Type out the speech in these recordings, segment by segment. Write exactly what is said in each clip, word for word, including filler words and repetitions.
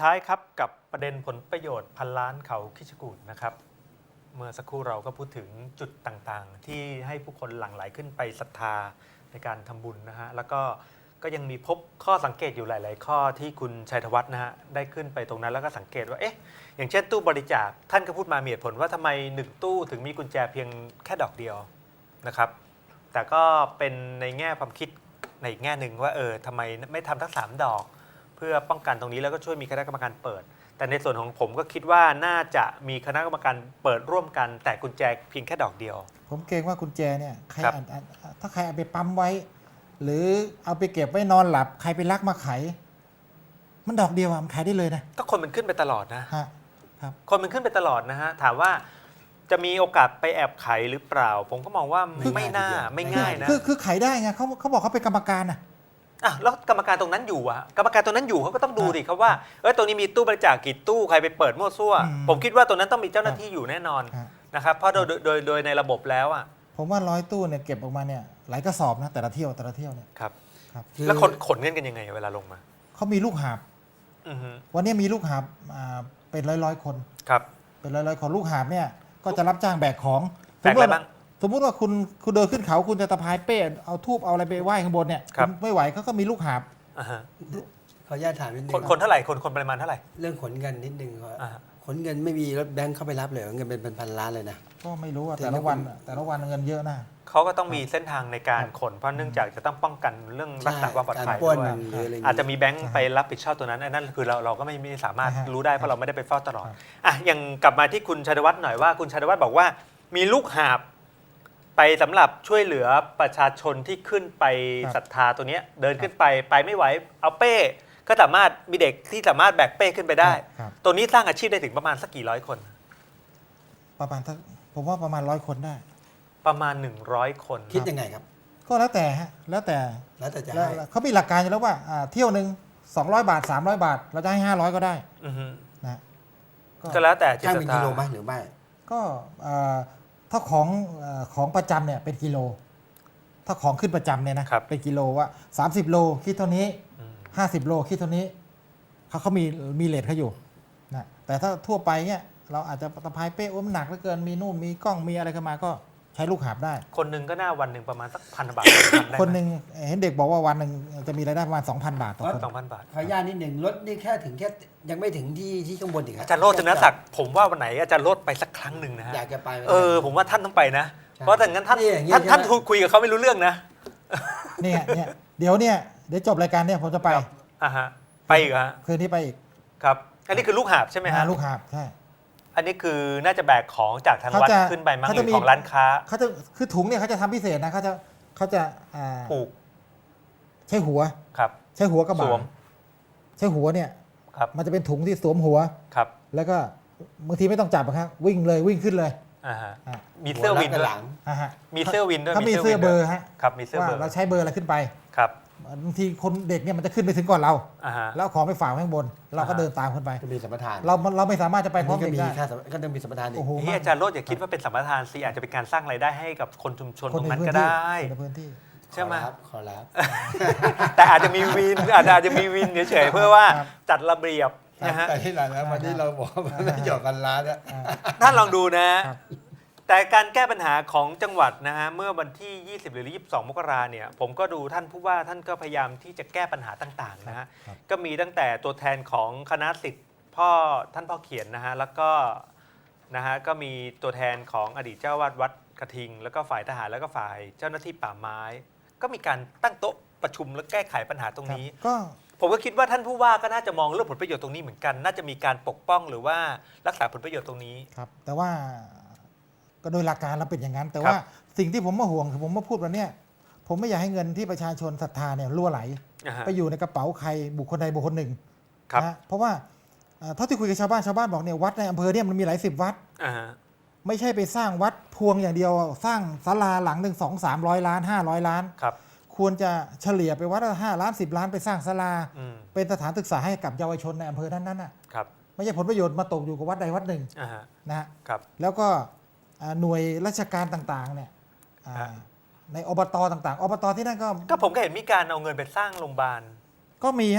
ท้ายครับกับประเด็นผลประโยชน์พันล้านเขาคิชกูฏนะครับเมื่อสักครู่เราก็พูดถึงจุดต่างๆ ที่ให้ผู้คนหลั่งไหลขึ้นไปศรัทธาในการทำบุญนะฮะแล้วก็ก็ยังมีพบข้อสังเกตอยู่หลายๆข้อที่คุณชัยธวัฒน์นะฮะได้ขึ้นไปตรงนั้นแล้วก็สังเกตว่าเอ๊ะอย่างเช่นตู้บริจาคท่านก็พูดมามีเหตุผลว่าทำไมหนึ่งตู้ถึงมีกุญแจเพียงแค่ดอกเดียวนะครับแต่ก็เป็นในแง่ความคิดในอีกแง่หนึ่งว่าเออทำไมไม่ทำทั้งสามดอกเพื่อป้องกันตรงนี้แล้วก็ช่วยมีคณะกรรมการเปิดแต่ในส่วนของผมก็คิดว่าน่าจะมีคณะกรรมการเปิดร่วมกันแต่กุญแจเพียงแค่ดอกเดียวผมเกรงว่ากุญแจเนี่ยใครอ่านถ้าใครเอาไปปั๊มไว้หรือเอาไปเก็บไว้นอนหลับใครไปลักมาไขมันดอกเดียวมันขายได้เลยนะก็คนมันขึ้นไปตลอดนะฮะครับคนมันขึ้นไปตลอดนะฮะถามว่าจะมีโอกาสไปแอบไขหรือเปล่าผมก็มองว่าไม่น่าไม่ง่ายนะคือคือไขได้ไงเขาเขาบอกเขาเป็นกรรมการนะอ่ะแล้วกรรมการตรงนั้นอยู่อะกรรมการตรงนั้นอยู่เขาก็ต้องดูดิครับว่าเออตรงนี้มีตู้บริจาคกี่ตู้ใครไปเปิดมั่วซั่วผมคิดว่าตรงนั้นต้องมีเจ้าหน้าที่อยู่แน่นอนนะครับเพราะโดยโดยโดยในระบบแล้วอะผมว่าร้อยตู้เนี่ยเก็บออกมาเนี่ยหลายกระสอบนะแต่ละเที่ยวแต่ละเที่ยวเนี่ยครับแล้วคนขนเงินกันยังไงเวลาลงมาเขามีลูกหาบวันนี้มีลูกหาบเป็นร้อยร้อยคนครับเป็นร้อยร้อยคนลูกหาบเนี่ยก็จะรับจ้างแบกของแบกอะไรบ้างสมมุติว่าคุณคุณเดินขึ้นเขาคุณจะตะพายเป้เอาทูบเอาอะไรไปไหว้ข้างบนเนี่ยไม่ไหวเขาก็มีลูกหาบขออนุญาตถามนิดนึงคนคนเท่าไหร่คนคนปริมาณเท่าไหร่เรื่องขนเงินนิดนึงขนเงินไม่มีรถแบงค์เข้าไปรับเลยเงินเป็นพันล้านเลยนะก็ไม่รู้ว่าแต่ละวันแต่ละวันเงินเยอะนะเขาก็ต้องมีเส้นทางในการขนเพราะเนื่องจากจะต้องป้องกันเรื่องรักษาความปลอดภัยด้วยอาจจะมีแบงค์ไปรับผิดชอบตัวนั้นนั่นคือเราเราก็ไม่ไม่สามารถรู้ได้เพราะเราไม่ได้ไปเฝ้าตลอดอ่ะยังกลับมาที่คุณชัยธวัฒน์หน่อยว่าคุณชัยธวัฒน์บอกว่ามีลูกหาบไปสำหรับช่วยเหลือประชาชนที่ขึ้นไปศรัทธาตัวนี้เดินขึ้นไปไปไม่ไหวเอาเป้ก็สามารถมีเด็กที่สามารถแบกเป้ขึ้นไปได้ตัวนี้สร้างอาชีพได้ถึงประมาณสักกี่ร้อยคนประมาณผมว่าประมาณร้อยคนได้ประมาณหนึ่งร้อยคนคิดยังไงครับก็แล้วแต่ฮะแล้วแต่แล้วแต่จะให้เขามีหลักการอยู่แล้วว่าเที่ยวหนึ่งสองร้อยบาทสามร้อยบาทเราจะให้ห้าร้อยก็ได้นะก็แล้วแต่จ้างเป็นกิโลไหมหรือไม่ก็ถ้าของของประจำเนี่ยเป็นกิโลถ้าของขึ้นประจำเนี่ยนะเป็นกิโลว่าสามสิบโลคิดเท่านี้ห้าสิบโลคิดเท่านี้เขาเขามีมีเรทเขาอยู่นะแต่ถ้าทั่วไปเนี่ยเราอาจจะตะพายเป้โอ้มันหนักเหลือเกินมีนู่นมีกล้องมีอะไรเข้ามาก็ใช้ลูกหาบได้คนหนึ่งก็น่าวันหนึ่งประมาณสักพันบาทคนหนึ่งเห็นเด็กบอกว่าวันหนึ่งจะมีรายได้ประมาณ สองพัน บาทต่อคนสองพันบาทขออนุญาตนิดหนึ่งรถนี่แค่ถึงแค่ยังไม่ถึงที่ที่ข้างบนอีกอาจารย์โรจนศักดิ์ผมว่าวันไหนอาจารย์โรจน์ไปสักครั้งหนึ่งนะฮะอยากจะไปเออผมว่าท่านต้องไปนะเพราะแต่งั้นท่านท่านท่านคุยกับเขาไม่รู้เรื่องนะเนี่ยเนี่ยเดี๋ยวเนี่ยเดี๋ยวจบรายการเนี่ยผมจะไปอ่าฮะไปอีกฮะคืนนี้ไปอีกครับอันนี้คือลูกหาบใช่ไหมฮะลูกหาบใช่อันนี้คือน่าจะแบกของจากทางวัดขึ้นไปมั้งหรือของร้านค้าเขาจะคือถุงเนี่ยเขาจะทำพิเศษนะเขาจะเขาจะผูกใช้หัวครับใช้หัวกระบะใช้หัวเนี่ยมันจะเป็นถุงที่สวมหัวครับแล้วก็บางทีไม่ต้องจับครับวิ่งเลยวิ่งขึ้นเลยอ่าฮะมีเสื้อวินด้วยมีเสื้อวินด้วยเขามีเสื้อเบอร์ฮะครับมีเสื้อเบอร์เราใช้เบอร์อะไรขึ้นไปครับบางทีคนเด็กเนี่ยมันจะขึ้นไปถึงก่อนเราแล้วของไปฝากข้างบนเราก็เดินตามขึ้นไปจะมีสัมปทานเราเราไม่สามารถจะไปพร้อมเด็กได้ก็ต้องมีสัมปทานอีกนี่อาจารย์โรจน์อย่าคิดว่าเป็นสัมปทานสิอาจจะเป็นการสร้างรายได้ให้กับคนชุมชนตรงนั้นก็ได้ใช่ไหมขอรับแต่อาจจะมีวินอาจจะอาจจะมีวินเฉยๆเพื่อว่าจัดระเบียบนะฮะแต่ที่ไหนนะวันนี้เราบอกมันไม่หยอกกันล้านนะท่านลองดูนะแต่การแก้ปัญหาของจังหวัดนะฮะเมื่อวันที่ยี่สิบหรือยี่สิบสองมกราเนี่ยผมก็ดูท่านผู้ว่าท่านก็พยายามที่จะแก้ปัญหาต่างๆนะฮะก็มีตั้งแต่ตัวแทนของคณะศิษย์พ่อท่านพ่อเขียนนะฮะแล้วก็นะฮะก็มีตัวแทนของอดีตเจ้าวาดวัดกระทิงแล้วก็ฝ่ายทหารแล้วก็ฝ่ายเจ้าหน้าที่ป่าไม้ก็มีการตั้งโต๊ะประชุมและแก้ไขปัญหาตรงนี้ก็ผมก็คิดว่าท่านผู้ว่าก็น่าจะมองเรื่องผลประโยชน์ตรงนี้เหมือนกันน่าจะมีการปกป้องหรือว่ารักษาผลประโยชน์ตรงนี้ครับแต่ว่าก็โดยหลักการเราเป็นอย่างนั้นแต่ว่าสิ่งที่ผมมาห่วงคือผมมาพูดวันนี้ผมไม่อยากให้เงินที่ประชาชนศรัทธาเนี่ยรั่วไหลไปอยู่ในกระเป๋าใครบุคคลใดบุคคลหนึ่งนะเพราะว่าเท่าที่คุยกับชาวบ้านชาวบ้านบอกเนี่ยวัดในอำเภอเนี่ยมันมีหลายสิบวัดไม่ใช่ไปสร้างวัดพวงอย่างเดียวสร้างศาลาหลังหนึ่งสองสามร้อยล้านห้าร้อยล้านควรจะเฉลี่ยไปวัดละห้าล้านสิบล้านไปสร้างศาลาเป็นสถานศึกษาให้กับเยาวชนในอำเภอนั้นๆน่ะไม่ใช่ผลประโยชน์มาตกอยู่กับวัดใดวัดหนึ่งนะฮะแล้วก็หน่วยราชการต่างๆเนี่ยในอบตต่างๆอบตที่นั่นก็ก็ผมก็เห็นมีการเอาเงินไปสร้างโรงพยาบาลก็มีฮะ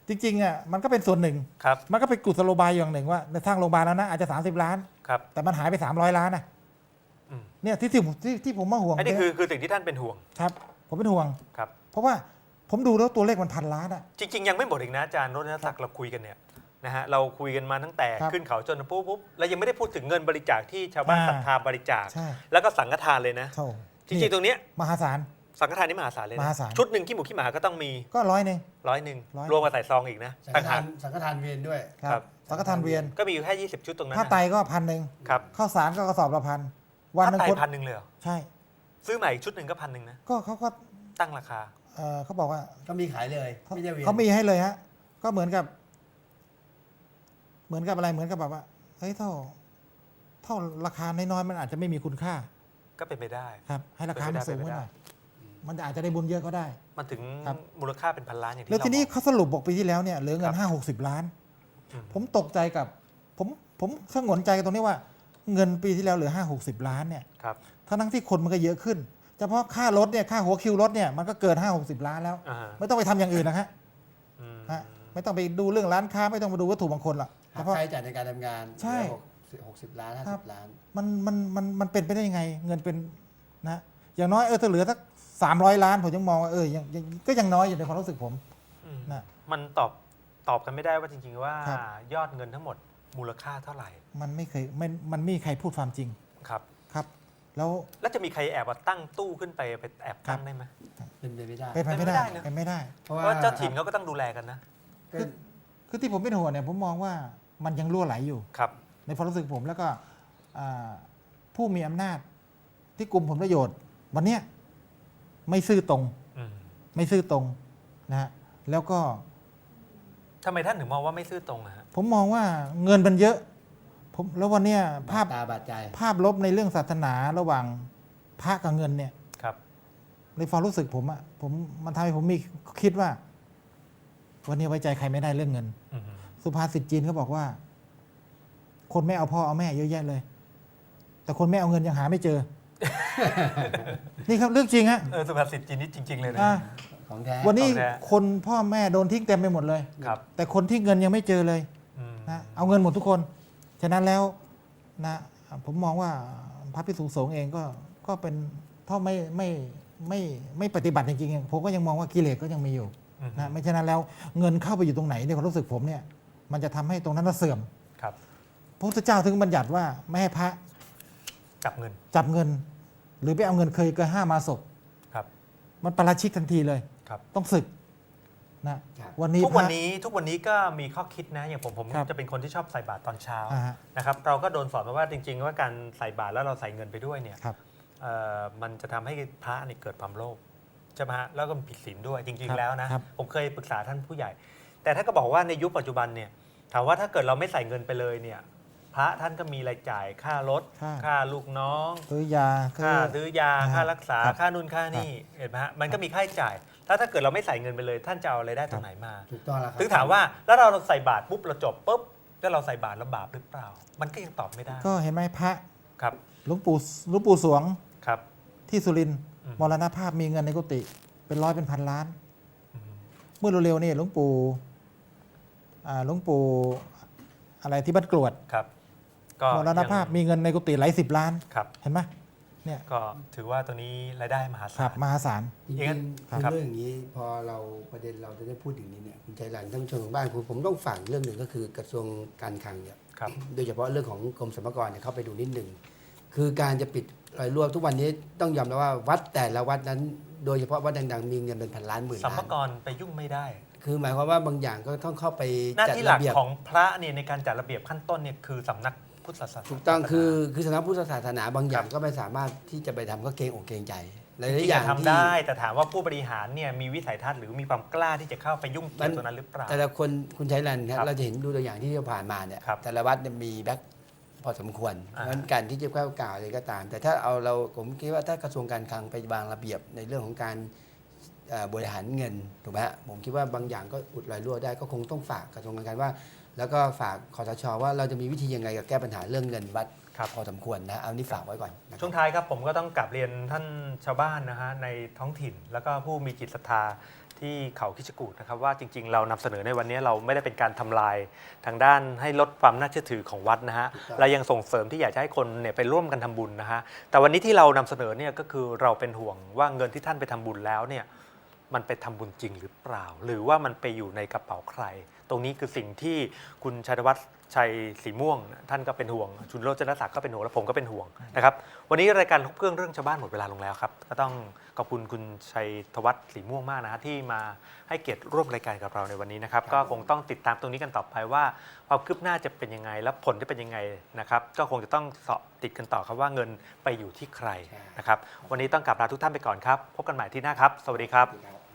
จริงๆอ่ะมันก็เป็นส่วนหนึ่งครับมันก็เป็นกุศโลบายอย่างหนึ่งว่าในสร้างโรงพยาบาลแล้วนะอาจจะสามสิบล้านครับแต่มันหายไปสามร้อยล้านนะอืมเนี่ยที่ที่ผมที่ที่ผมมาห่วงอันนี้คือคือสิ่งที่ท่านเป็นห่วงครับผมเป็นห่วงครับเพราะว่าผมดูแล้วตัวเลขมันพันล้านอ่ะจริง ๆ ยังไม่หมดอีกนะอาจารย์รณศักดิ์เราคุยกันเนี่ยนะฮะเราคุยกันมาตั้งแต่ครับขึ้นเขาจนปุ๊บปุ๊บเรายังไม่ได้พูดถึงเงินบริจาคที่ชาวบ้านอ่าศรัทธาบริจาคใช่แล้วก็สังฆทานเลยนะโธ่จริงๆตรงเนี้ยมหาศาลสังฆทานนี่มหาศาลเลยนะมหาศาลชุดหนึ่งขี้หมูขี้หมาก็ต้องมีก็ร้อยหนึ่งร้อยหนึ่งร้อยรวมกับใส่ซองอีกนะสังฆต่างทาหากนสังฆทานเวียนด้วยคครัรับ บสังฆทานเวียนก็มีอยู่แค่ยี่สิบชุดตรงนั้นผ้านะไตรก็พันหนึ่งครับข้าวสารก็กระสอบละพันวันหถ้านึ่งไตคนพันหนึ่งเลยเหรอใช่ซื้อใหม่อีกชุดหนึ่งก็พันหนึ่งนะก็เขาก็ตั้งราคาเอ่อเขาบอกว่าก็มีขายเลยไม่ใช่เวียนเขามีให้เลยฮะก็เหมือนกับ เหมือนกับอะไรเหมือนกับแบบว่าเฮ้ยเท่าเท่าราคาน้อยๆมันอาจจะไม่มีคุณค่าก็เป็นไปได้ครับ ให้ราคามันสูงไว้หน่อยมันอาจจะได้บุญเยอะก็ได้มันถึงครับมูลค่าเป็นพันล้านอย่างที่แล้วทีนี้เราบอกเขาสรุปบอกปีที่แล้วเนี่ยเหลือเงิครันบห้าหกสิบล้านอืมผมตกใจกับ ผมผมสงวนใจกับตรงนี้ว่า เงินปีที่แล้วเหลือห้าหกสิบล้านเนี่ยครับทั้งที่คนมันก็เยอะขึ้นเฉพาะค่ารถเนี่ยค่าหัวคิวรถเนี่ยมันก็เกินห้าหกสิบล้านแล้วอ่าไม่ต้องไปทำอย่างอื่นนะฮะอืมฮะไม่ต้องไปดูเรื่องร้านค้าไม่ต้องไปดูวัตถุมงคลหรอกหัเฉกพาะค่าใช้จ่ายในการทำงานใช่หกสิบล้านห้าครัสิบบล้านมันมันมันมันเป็นไปได้ยังไง เงินเป็นนะอย่างน้อยเออถ้าเหลือสักสามร้อยล้านผมยังมองว่าเออยังยังก็ยังน้อยอยู่ในความรู้สึกผมอืมนะมันตอบตอบกันไม่ได้ว่าจริง ๆ ว่าครับยอดเงินทั้งหมดมูลค่าเท่าไหร่มันไม่เคยไม่มันไม่มีใครพูดความจริงครับครับ แล้วแล้วจะมีใครแอบมาตั้งตู้ขึ้นไปไปแอบตั้งครับได้ไหมเป็นไปไม่ได้เป็นไปไม่ได้เป็นไม่ได้นะเป็นไม่ได้เพราะเพว่าราะว่าเจ้าถิ่นเขาก็ต้องดูแลกันนะก็คือที่ผมเป็นห่วงเนี่ยผมมองว่ามันยังรั่วไหลอยู่ครับในความรู้สึกผมแล้วก็อ่าผู้มีอำนาจที่กลุ่มผลประโยชน์ วันเนี้ยไม่ซื่อตรงอืมไม่ซื่อตรงนะฮะแล้วก็ทำไมท่านถึงมองว่าไม่ซื่อตรงอะฮะผมมองว่าเงินมันเยอะผมแล้ววันเนี้ยภาภาพพตาบาดใจภาพลบในเรื่องศาสนาระหว่างพระกับเงินเนี่ยครับในความรู้สึกผมอะผมมันทำให้ผมมีคิดว่า วันนี้ไว้ใจใครไม่ได้เรื่องเงินอืมสุภาษิตจีนเขาบอกว่า คนไม่เอาพ่อเอาแม่เยอะแยะเลย แต่คนไม่เอาเงินยังหาไม่เจอ นี่ครับเรื่องจริงฮะเออสุภาษิตจีนนี่จริง ๆ เลยนะอ่ะของแท้วันนี้ของแท้คนพ่อแม่โดนทิ้งเต็มไปหมดเลยครับแต่คนที่เงินยังไม่เจอเลยอืมนะเอาเงินหมดทุกคน ฉะนั้นแล้วนะผมมองว่าพระภิกษุสงฆ์เองก็ก็เป็นถ้าไม่ไม่ไม่ไม่ปฏิบัติจริงๆผมก็ยังมองว่ากิเลสก็ยังมีอยู่อืมนะไม่ฉะนั้นแล้วเงินเข้าไปอยู่ตรงไหนในความรู้สึกผมเนี่ย มันจะทำให้ตรงนั้นน่ะเสื่อมครับพระพุทธเจ้าถึงบัญญัติว่าไม่ให้พระจับเงินจับเงิน หรือไปเอาเงินเคยเกินห้ามาศพครับมันปาราชิกทันทีเลยครับต้องศึกนะวันนี้ทุกพวันระนี้ทุกวันนี้ก็มีข้อคิดนะ อย่างผมผมครับจะเป็นคนที่ชอบใส่บาตรตอนเช้าอ่าฮะนะครับ เราก็โดนสอนมาว่าจริง ๆ ว่าการใส่บาตรแล้วเราใส่เงินไปด้วยเนี่ยครับเอ่อมันจะทำให้พระเนี่ยเกิดความโลภใช่ไหมฮะแล้วก็ผิดศีลด้วยจริงครัๆบแล้วนะครับผมเคยปรึกษาท่านผู้ใหญ่ แต่ท่านก็บอกว่าในยุคปัจจุบันเนี่ยถามว่าถ้าเกิดเราไม่ใส่เงินไปเลยเนี่ยพระท่านก็มีรายจ่ายค่ารถค่าค่าลูกน้องซื้อยาค่าซื้อยาอ่าค่ารักษาครับค่านู่นค่านี่เห็นไหมฮะมันก็มีค่าใช้จ่าย ถ้าถ้าเกิดเราไม่ใส่เงินไปเลย ท่านจะเอาอะไรได้ตรงไหนมาถูกต้องแล้วครับถึงถามว่าแล้วเราใส่บาตรปุ๊บเราจบปุ๊บแล้วเราใส่บาตรแล้วบาปหรือเปล่า มันก็ยังตอบไม่ได้ก็เห็นไหมพระครับหลวงปู่หลวงปู่สวงครับที่สุรินทร์อืมมรณภาพมีเงินในกุฏิเป็นร้อยเป็นพันล้านอืมเมื่อเร็วๆนี่หลวงปู่อ่าหลวงปู่อะไรที่บ้านกรวดครับ ก็มรณภาพมีเงินในกุฏิหลายสิบล้านครับเห็นไหมเนี่ยก็ถือว่าตัวนี้รายได้มหาครัศาบลมหาศาลจริงอย่างนั้นๆคือครับเรื่องอย่างนี้พอเราประเด็นเราจะได้พูดถึงนี้เนี่ยคุณชัยรันท่านผู้ชมทางบ้านคุณผมต้องฝากเรื่องหนึ่งก็คือกระทรวงการคลังเนี่ยครับโดยเฉพาะเรื่องของกรมสรรพากรเนี่ยเข้าไปดูนิดหนึ่งคือการจะปิดรอยรั่วทุกวันนี้ต้องยอมรับว่าวัดแต่ละวัดนั้น โดยเฉพาะวัดดังๆ มีเงินเป็นพันล้านหมื่นสัมล้าภาน ระไปยุ่งไม่ได้คือหมายความว่าบางอย่างก็ต้องเข้าไปหน้าจัดที่หลัระกเบียบของพระเนี่ยในการจัดระเบียบขั้นต้นเนี่ยคือสำนักพุทธศาสนาถูกต้องคือคือสำนักพุทธศาสนาบางอย่างก็ไม่สามารถที่จะไปทำก็เกรงอกเกรงใจหลายจริงๆอย่างๆทำที่ได้ แต่ถามว่าผู้บริหารเนี่ยมีวิสัยทัศน์หรือมีความกล้าที่จะเข้าไปยุ่งเกี่ยวตัวนั้นหรือเปล่าแต่ละคนคุณชัยรันคครัรับบ เราจะเห็นดูตัวอย่างที่ผ่านมาเนี่ยครับแต่ละวัดเนี่ยมีแบ็คพอสมควรเพอ่าราะฉะนั้นการที่จะเข้ากล่าวอะไรก็ตาม แต่ถ้าเอาเราผมคิดว่าถ้ากระทรวงการคลังไปวางระเบียบในเรื่องของการเอ่อบริหารเงินถูกไหมฮะผมคิดว่าบางอย่างก็อุดรอยรั่วได้ก็คงต้องฝากกระทรวงการคลังว่า แล้วก็ฝากคอสชว่าเราจะมีวิธียังไงกับแก้ปัญหาเรื่องเงินวัดครับพอสมควรนะเอานี่ฝากไว้ก่อนนะครับช่วงท้ายครับผมก็ต้องกลับเรียนท่านชาวบ้านนะฮะในท้องถิ่น แล้วก็ผู้มีจิตศรัทธาที่เขาคิชกูฏนะครับว่าจริงๆเรานำเสนอในวันนี้เราไม่ได้เป็นการทำลายทางด้านให้ลดความน่าเชื่อถือของวัดนะฮะเรายังส่งเสริมที่อยากจะให้คนเนี่ยไปร่วมกันทำบุญนะฮะแต่วันนี้ที่เรานำเสนอเนี่ยก็คือเราเป็นห่วงว่าเงินที่ท่านไปทำบุญแล้วเนี่ยมันไปทำบุญจริงหรือเปล่า หรือว่ามันไปอยู่ในกระเป๋าใคร ตรงนี้คือสิ่งที่คุณชัยวัฒน์ชัยสีม่วงท่านก็เป็นห่วงคุณโรจนศักดิ์ก็เป็นห่วงและผมก็เป็นห่วงนะครับวันนี้รายการครบเครื่องเรื่องชาวบ้านหมดเวลาลงแล้วครับก็ต้องขอบคุณคุณชัยวัฒน์สีม่วงมากนะฮะที่มาให้เกียรติร่วมรายการกับเราในวันนี้นะครับก็คงต้องติดตามตรงนี้กันต่อไปว่าความคืบหน้าจะเป็นยังไงและผลจะเป็นยังไงนะครับก็คงจะต้องสอบติดกันต่อครับว่าเงินไปอยู่ที่ใครนะครับวันนี้ต้องกลับลาทุกท่านไปก่อนครับพบกันใหม่ที่หน้าครับสวัสดีครับ